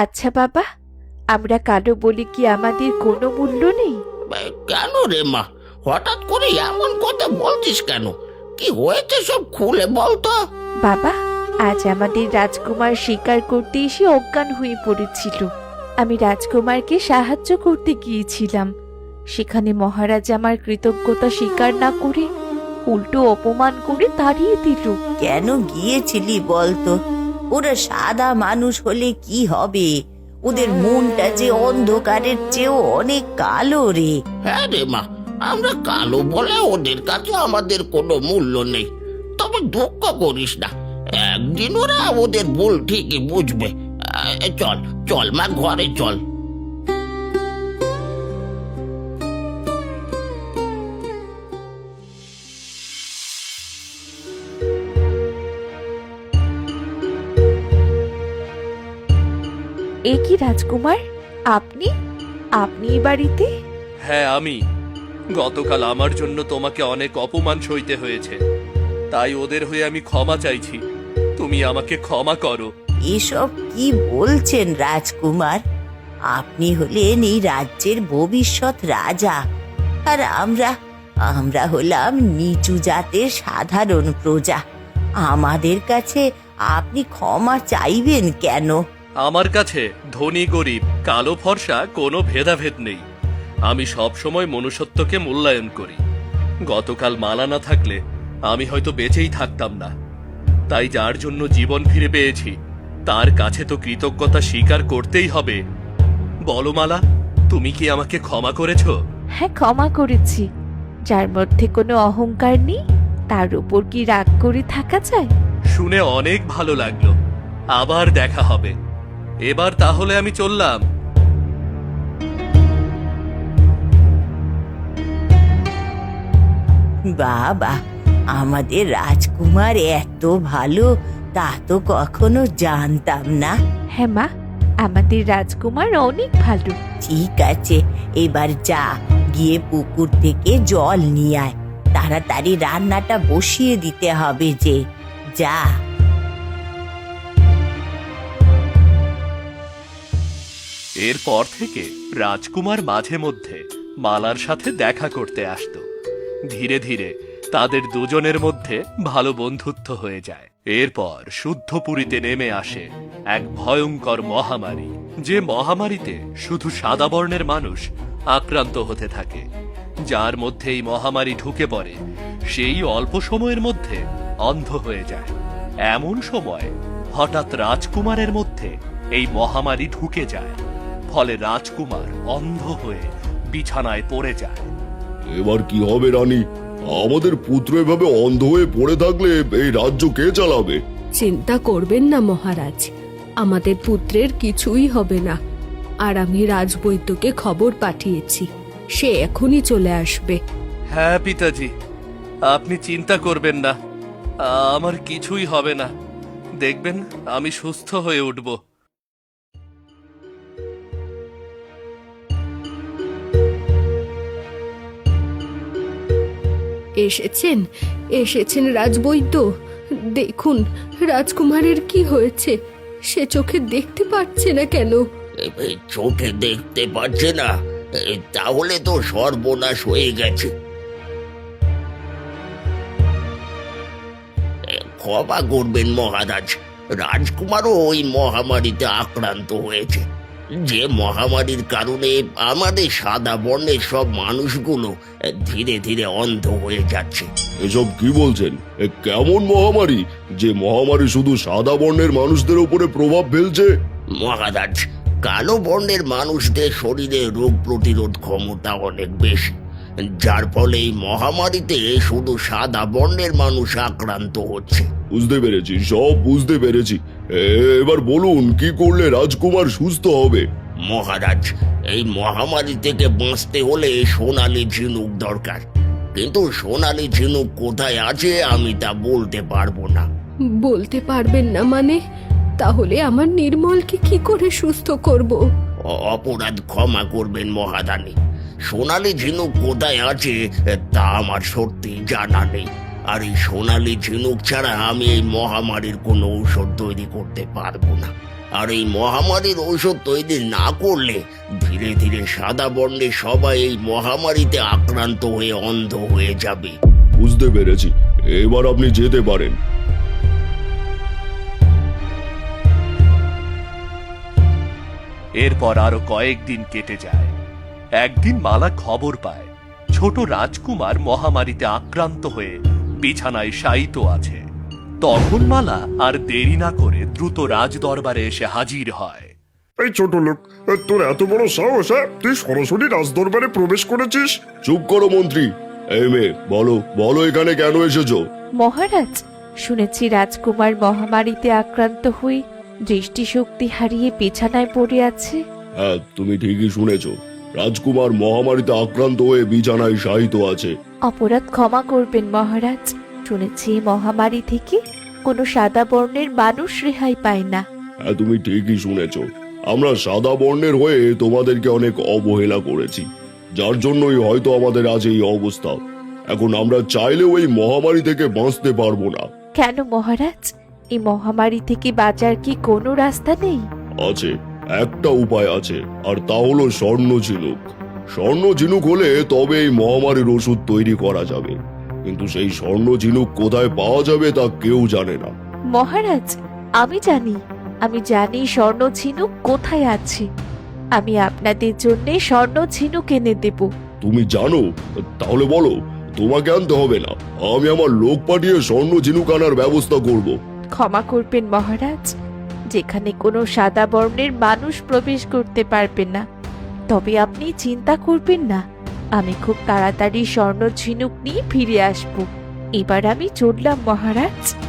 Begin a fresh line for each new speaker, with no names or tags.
আচ্ছা বাবা, আমরা কালো বলে কি আমাদের কোনো মূল্য নেই?
কেন রে মা, হঠাৎ করে এমন কথা বলছিস কেন? কি হয়েছে সব খুলে বলতো।
বাবা, আজ আমাদের রাজকুমার শিকার করতে এসে অজ্ঞান হয়ে পড়েছিল। আমি রাজকুমারকে সাহায্য করতে গিয়েছিলাম। সেখানে মহারাজ আমার কৃতজ্ঞতা স্বীকার না করে উল্টো অপমান করে তাড়িয়ে দিল।
কেন গিয়েছিলি বলতো? ওরা সাদা মানুষ হলে কি হবে? ওদের মনটা যে অন্ধকারের চেয়েও অনেক কালো রে।
হ্যাঁ রে মা, আমরা কালো বলে ওদের কাছে আমাদের কোনো মূল্য নেই। তবে দুঃখ করিস না, একদিন ওরা ওদের ভুল ঠিকই বুঝবে। চল চল মা, ঘরে চল।
এ কি রাজকুমার, আপনি আপনি এই বাড়িতে?
হ্যাঁ, আমি। গতকাল আমার জন্য তোমাকে অনেক অপমান সইতে হয়েছে, তাই ওদের হয়ে আমি ক্ষমা চাইছি। তুমি আমাকে ক্ষমা করো।
এসব কি বলছেন রাজকুমার? আপনি হলেন এই রাজ্যের ভবিষ্যৎ রাজা, আর আমরা হলাম নিচু জাতের সাধারণ প্রজা। আমাদের কাছে আপনি ক্ষমা চাইবেন কেন?
আমার কাছে ধনী গরিব কালো ফর্সা কোনো ভেদাভেদ নেই। আমি সব সময় মনুষ্যত্বকে মূল্যায়ন করি। গতকাল মালা না থাকলে আমি হয়তো বেঁচেই থাকতাম না। তাই যার জন্য জীবন ফিরে পেয়েছি তার কাছে তো কৃতজ্ঞতা স্বীকার করতেই হবে। বলো মালা, তুমি কি আমাকে ক্ষমা করেছো?
হ্যাঁ, ক্ষমা করেছি। যার মধ্যে কোনো অহংকার নেই তার উপর কি রাগ করে থাকা যায়?
শুনে অনেক ভালো লাগলো। আবার দেখা হবে। এবার তাহলে আমি চললাম।
বাবা, আমাদের রাজকুমার এত ভালো তা তো কখনো জানতাম না।
হ্যাঁ মা, আমাদের রাজকুমার অনেক ভালো।
ঠিক আছে, এবার যা, গিয়ে পুকুর থেকে জল নিয়ে আয়। তাড়াতাড়ি রান্নাটা বসিয়ে দিতে হবে যে। যা।
এরপর থেকে রাজকুমার মাঝে মধ্যে মালার সাথে দেখা করতে আসতো। ধীরে ধীরে তাদের দুজনের মধ্যে ভালো বন্ধুত্ব হয়ে যায়। এরপর শুদ্ধপুরীতে নেমে আসে এক ভয়ঙ্কর মহামারী, যে মহামারীতে শুধু সাদা বর্ণের মানুষ আক্রান্ত হতে থাকে। যার মধ্যে এই মহামারী ঢুকে পড়ে সেই অল্প সময়ের মধ্যে অন্ধ হয়ে যায়। এমন সময় হঠাৎ রাজকুমারের মধ্যে এই মহামারী ঢুকে যায়, ফলে রাজকুমার অন্ধ হয়ে বিছানায় পড়ে যায়।
এবার কি হবে রানী? আমাদের পুত্র এভাবে অন্ধ হয়ে পড়ে থাকলে এই রাজ্য কে চালাবে?
চিন্তা করবেন না মহারাজ, আমাদের পুত্রের কিছুই হবে না। আর আমি রাজবৈদ্যকে খবর পাঠিয়েছি, সে এখনই চলে আসবে।
হ্যাঁ পিতাজি, আপনি চিন্তা করবেন না, আমার কিছুই হবে না। দেখবেন আমি সুস্থ হয়ে উঠব।
এসেছেন রাজবৈদ্য। দেখুন রাজকুমারের কি হয়েছে, সে চোখে দেখতে পাচ্ছে না কেন?
চোখে দেখতে পাচ্ছে না? তাহলে তো সর্বনাশ হয়ে গেছে। ক্ষমা করবেন মহারাজ, রাজকুমারও ওই মহামারীতে আক্রান্ত হয়েছে, যে মহামারীর কারণে আমাদের সাদা বর্ণের সব মানুষগুলো ধীরে ধীরে অন্ধ হয়ে যাচ্ছে।
এসব কি বলছেন? কেমন মহামারী, যে মহামারী শুধু সাদা বর্ণের মানুষদের উপরে প্রভাব ফেলছে?
মহারাজ, কালো বর্ণের মানুষদের শরীরে রোগ প্রতিরোধ ক্ষমতা অনেক বেশি, যার ফলে এই মহামারীতে শুধু সাদা বর্ণের মানুষ আক্রান্ত হচ্ছে।
বুঝতে পেরেছি, সব বুঝতে পেরেছি। এবার বলুন, কি করলে রাজকুমার সুস্থ হবে?
মহারাজ, এই মহামারী থেকে বাঁচতে হলে সোনালী ঝিনুক দরকার, কিন্তু সোনালী ঝিনুক কোথায় আছে আমি তা বলতে পারবো না।
বলতে পারবেন না মানে? তাহলে আমার নির্মলকে কি করে সুস্থ করব?
অপরাধ ক্ষমা করবেন মহারানী, সোনালী ঝিনুক কোথায় আছে তা আমার সত্যি জানা নেই। আর এই সোনালী ঝিনুক ছাড়া আমি এই মহামারীর কোনো ঔষধ তৈরি করতে পারবো না। আর এই মহামারীর ঔষধ তৈরি না করলে ধীরে ধীরে সাদা বর্ণের সবাই এই মহামারীতে আক্রান্ত হয়ে অন্ধ হয়ে যাবে।
বুঝতে পেরেছি, এবার আপনি যেতে পারেন।
এরপর আরো কয়েকদিন কেটে যায়। একদিন মালা খবর পায় ছোট রাজকুমার মহামারীতে আক্রান্ত হয়ে বিছানায় শায়িত আছে। তখন মালা আর দেরি না করে দ্রুত রাজ দরবারে এসে হাজির হয়।
এই ছোট লোক, তোর এত বড় সাহস, হ্যাঁ? তুই সরাসরি রাজদরবারে প্রবেশ করেছিস?
চুপ করো মন্ত্রী। এই মেয়ে, বলো বলো এখানে কেন এসেছো?
মহারাজ, শুনেছি রাজকুমার মহামারীতে আক্রান্ত হয়ে দৃষ্টিশক্তি হারিয়ে বিছানায় পড়ে আছে।
হ্যাঁ, তুমি ঠিকই শুনেছ। রাজকুমার মহামারীতে আক্রান্ত হয়ে বিছানায় শায়িত আছে।
অপরাধ ক্ষমা করবেন মহারাজ। শুনেছি এই মহামারী থেকে কোনো সাদা বর্ণের মানুষ রেহাই পায় না।
হ্যাঁ, তুমি ঠিকই শুনেছ। আমরা সাদা বর্ণের হয়ে তোমাদেরকে অনেক অবহেলা করেছি, যার জন্যই হয়তো আমাদের আজ এই অবস্থা। এখন আমরা চাইলেও এই মহামারী থেকে বাঁচতে পারবো না।
কেন মহারাজ? এই মহামারী থেকে বাঁচার কি কোনো রাস্তা নেই?
আছে, একটা উপায় আছে, আর তা হলো স্বর্ণ ঝিনুক। স্বর্ণ ঝিনুক হলে তবে এই মহামারীর ওষুধ তৈরি করা যাবে, কিন্তু সেই স্বর্ণ ঝিনুক কোথায় পাওয়া যাবে তা কেউ জানে না।
মহারাজ, আমি জানি স্বর্ণ ঝিনুক কোথায় আছে। আমি আপনাদের জন্য স্বর্ণ ঝিনুক এনে দেব।
তুমি জানো? তাহলে বলো, তোমাকে আনতে হবে না, আমি আমার লোক পাঠিয়ে স্বর্ণ ঝিনুক আনার ব্যবস্থা করব।
ক্ষমা করবেন মহারাজ, যেখানে কোনো সাদা বর্ণের মানুষ প্রবেশ করতে পারবে না। তবে আপনি চিন্তা করবেন না, আমি খুব তাড়াতাড়ি স্বর্ণ ঝিনুক নিয়ে ফিরে আসব। এবার আমি চললাম মহারাজ।